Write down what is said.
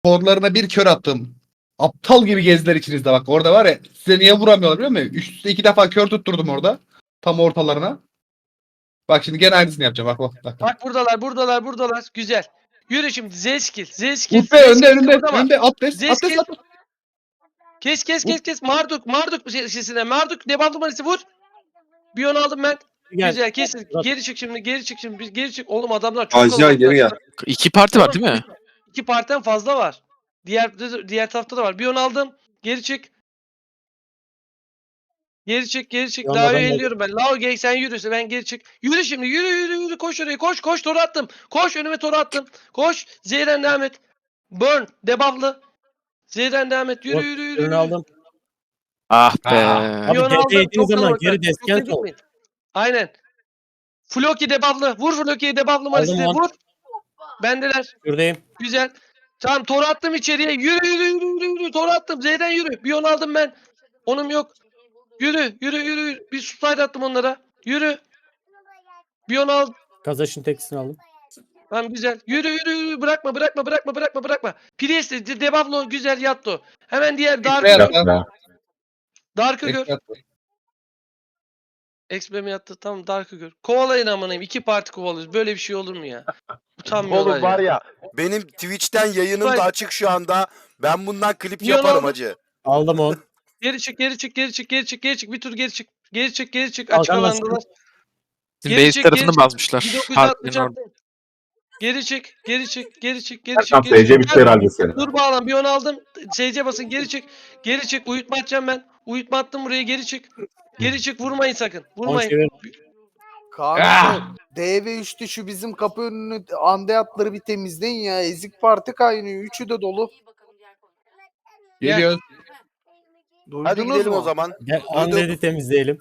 Korlarına bir kör attım. Aptal gibi gezdiler içinizde bak. Orada var ya, size niye vuramıyorlar biliyor musun? Üst üste 2 defa kör tutturdum orada. Tam ortalarına. Bak şimdi gene aynısını yapacağım. Bak. Bak buradalar. Güzel. Yürü şimdi. Z skill. Z skill. Utbe önde Kıpırdama. önde Abdest. Z Abdest. skill. Kes. Marduk sesine. Marduk devam numarası vur. Bir onu aldım ben. Gel. Güzel kesin. Bırak. Geri çık şimdi. Geri çık. Oğlum adamlar çok Acilen geri gel. 2 parti var değil mi? 2 partiden fazla var. Diğer tarafta da var. Bir onu aldım. Geri çık. Yolda Daha ben de- elliyorum ben. Lao gel sen yürüse ben geri çık. Yürü şimdi. Yürü. Koş oraya. Koş. Toru attım. Koş önüme toru attım. Koş. Z'den devam et. Burn. Debuff'lı. Z'den devam et. Yürü. Ürünü aldım. Ah be. Abi Bir onu DD aldım. yediğin Çok zaman kalabalık. geri Çok desken yedik sol. mi? Aynen. Floki debuff'lı. Vur Floki'ye debuff'lı Maris'e. on. Vur. Bendeler. Şuradayım. Güzel. Tamam toru attım içeriye. Yürü. Toru attım. Z'den yürü. Bir onu aldım ben. Onum yok. Yürü. Bir slide attım onlara. Yürü. Bir onu al. Kazaş'ın tekisini aldım. Tamam güzel. Yürü. Bırakma. Priest'e debuff'lı güzel yattı. Hemen diğer Dark'ı Ekmeğe gör. attım. Dark'ı gör. Ekmeğe attım. Expe mi yattı? Tamam Dark'ı gör. Kovalayın amanayım. 2 parti kovalıyoruz. Böyle bir şey olur mu ya? Utanmıyorlar Oğlum var ya. Benim Twitch'ten yayınım Vay. da açık şu anda. Ben bundan klip Niye yaparım lan? hacı. Aldım 10. Geri çık. Bir tur geri çık. Geri çık. Al, Açık anlaştık. alandalar. Bizim Geri base çık, tarafını geri çık. basmışlar. 1960 Partilerin orada. attım. Geri çık. Erkan SC bitti herhalde senin. Dur bağlan bir onu aldım. SC basın geri çık. Uyutma atacağım ben. Uyutma attım buraya geri çık. Vurmayın sakın. 10 çevir. Kanka DV3'te şu bizim kapı önünü andeyatları bir temizleyin ya. Ezik parti kaynıyor. Üçü de dolu. Geliyoruz. Hadi Duydunuz gidelim mu? o zaman. Gel Undead'i temizleyelim.